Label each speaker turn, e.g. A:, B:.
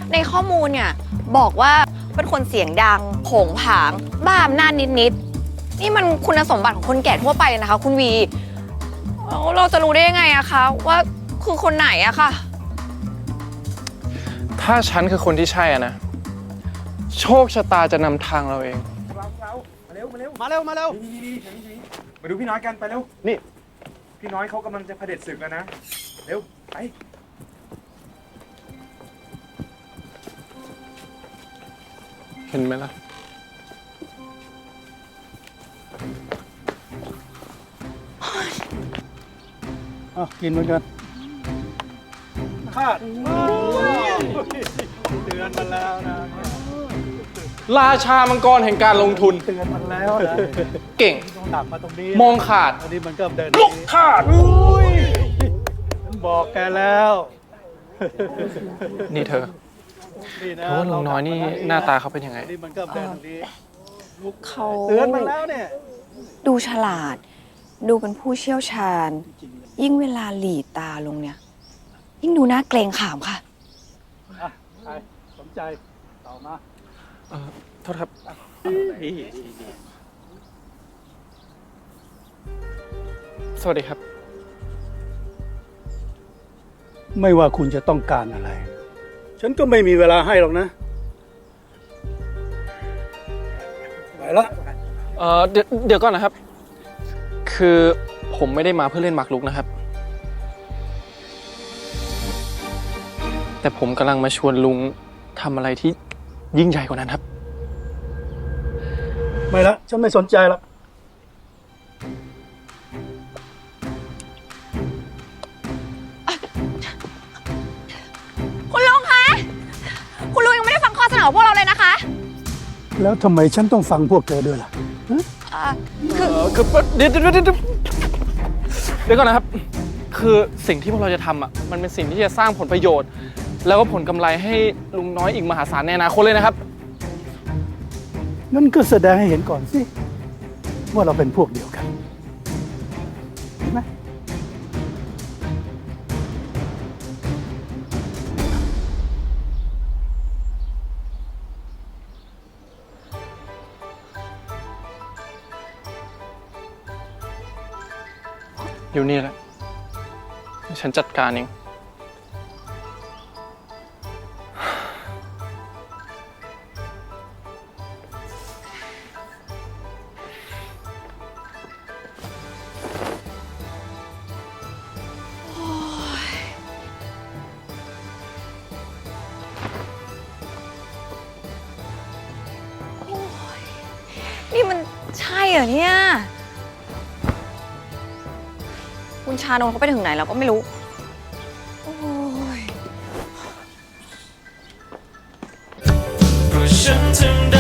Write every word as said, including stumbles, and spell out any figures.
A: ในข้อมูลเนี่ยบอกว่าเป็นคนเสียงดังโผงผางบ้าอำนาจนิดๆนี่มันคุณสมบัติของคนแก่ทั่วไปเลยนะคะคุณวีแล้วเราจะรู้ได้ยังไงอะคะว่าคือคนไหนอะค่ะ
B: ถ้าฉันคือคนที่ใช่อะนะโชคชะตาจะนำทางเราเอง
C: เรามาเร็วมาเร็วมาเร็วมาเร็วมาดูพี่น้อยกันไปเร็วนี่พี่น้อยเขากำลังจะเผด็จศึกแล้วนะเร็วไป
B: เห็นไหมล่ะ
D: อ่ะกินเหมือนกันคาดเตือนมันแล้วนะ
B: ราชามังกรแห่งการลงทุน
D: เตือนมันแล้วนะ
B: เก่ง
D: ต้องดักมาตรงนี้
B: มองขาด
D: อันนี้มันก็เดิน
B: ลุกขาด
D: ฉันบอกแกแล้ว
B: นี่เธอเพราะว่าลุงน้อยนี่หน้าตาเขาเป็นยังไง
D: นี่มันก็เดินตรงนี้
A: เขา
D: เตือนมันแล้วเนี่ย
A: ดูฉลาดดูเป็นผู้เชี่ยวชาญยิ่งเวลาหลีตาลงเนี่ยยิ่งดูน่าเกรงขามค่ะ
D: ใครสนใจต่อมา
B: เออโทษครับสวัสดีครับ
D: ไม่ว่าคุณจะต้องการอะไรฉันก็ไม่มีเวลาให้หรอกนะไปละ
B: เออเดี๋ยวเดี๋ยวก่อนนะครับคือผมไม่ได้มาเพื่อเล่นหมากรุกนะครับแต่ผมกำลังมาชวนลุงทำอะไรที่ยิ่งใหญ่กว่านั้นครับ
D: ไม่ละฉันไม่สนใจละ
A: คุณลุงคะคุณลุงยังไม่ได้ฟังข้อเสนอของพวกเราเลยนะคะ
D: แล้วทำไมฉันต้องฟังพวกเธอด้วยล่ะ
A: คือ
B: คือเดี๋ยวเดี๋ยวเดี๋ยวเดี๋ยวก่อนนะครับคือสิ่งที่พวกเราจะทำอ่ะมันเป็นสิ่งที่จะสร้างผลประโยชน์แล้วก็ผลกำไรให้ลุงน้อยอีกมหาศาลในอนาคตเลยนะครับ
D: นั่นก็แสดงให้เห็นก่อนสิว่าเราเป็นพวกเดียวกันเห็นไหม
B: อยู่นี่แหละฉันจัดการเอง
A: นี่มันใช่เหรอเนี่ยคุณชานนท์เขาไปถึงไหนแล้วก็ไม่รู้โอ้ย
E: เพราะฉันทำได้